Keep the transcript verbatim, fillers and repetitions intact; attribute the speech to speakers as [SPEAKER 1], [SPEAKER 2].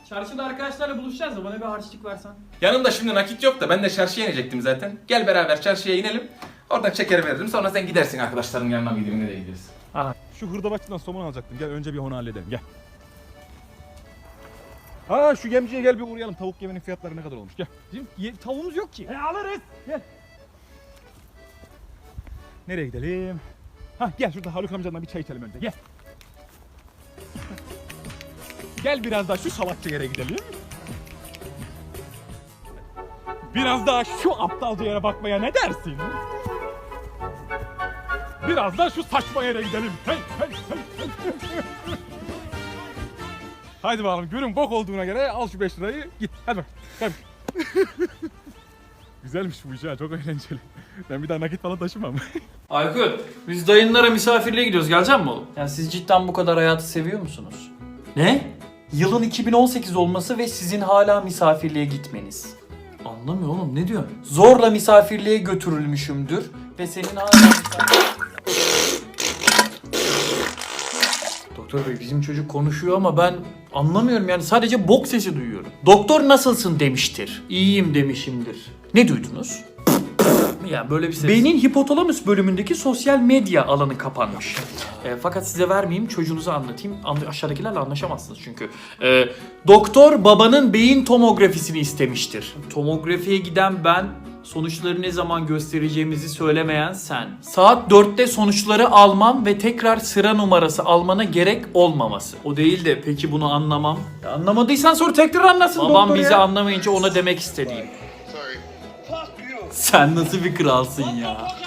[SPEAKER 1] Çarşıda arkadaşlarla buluşacağız da bana bir harçlık versen.
[SPEAKER 2] Yanımda şimdi nakit yok da ben de çarşıya inecektim zaten. Gel beraber çarşıya inelim. Oradan çeker veririm. Sonra sen gidersin arkadaşların yanına mı gideyim, nereye gideriz?
[SPEAKER 3] Aha. Şu hırdavatçıdan somon alacaktım. Gel önce bir onu halledelim. Gel. Aa şu yemciye gel bir uğrayalım. Tavuk yemenin fiyatları ne kadar olmuş? Gel.
[SPEAKER 1] Bizim ye- tavuğumuz yok ki.
[SPEAKER 3] E alırız. Gel. Nereye gidelim? Hah gel şurada Haluk amcanla bir çay içelim önce. Gel. Gel biraz daha şu salakça yere gidelim. Biraz daha şu aptalca yere bakmaya ne dersin? Biraz da şu saçma yere gidelim. Hey, hey, hey, hey. Haydi bakalım, görün bok olduğuna göre al şu beş lirayı git. Hadi bak. Hadi. Güzelmiş bu iş ha, çok eğlenceli. Ben bir daha nakit falan taşımam.
[SPEAKER 1] Aykut, biz dayınlara misafirliğe gidiyoruz. Gelecek mi oğlum? Yani siz cidden bu kadar hayatı seviyor musunuz? Ne? Yılın iki bin on sekiz olması ve sizin hala misafirliğe gitmeniz. Anlamıyor oğlum, ne diyorsun? Zorla misafirliğe götürülmüşümdür ve senin hala misafirliğe... Doktor bey, bizim çocuk konuşuyor ama ben anlamıyorum, yani sadece bok sesi duyuyorum. Doktor nasılsın demiştir. İyiyim demişimdir. Ne duydunuz? Yani böyle bir ses. Beynin hipotalamus bölümündeki sosyal medya alanı kapanmış. E, fakat size vermeyeyim, çocuğunuza anlatayım. Anla- aşağıdakilerle anlaşamazsınız çünkü. E, doktor babanın beyin tomografisini istemiştir. Tomografiye giden ben, sonuçları ne zaman göstereceğimizi söylemeyen sen. Saat dörtte sonuçları almam ve tekrar sıra numarası almana gerek olmaması. O değil de peki bunu anlamam. Ya anlamadıysan sonra tekrar anlasın doktor. Babam bizi anlamayınca ona demek istediğim. Sen nasıl bir kralsın ya?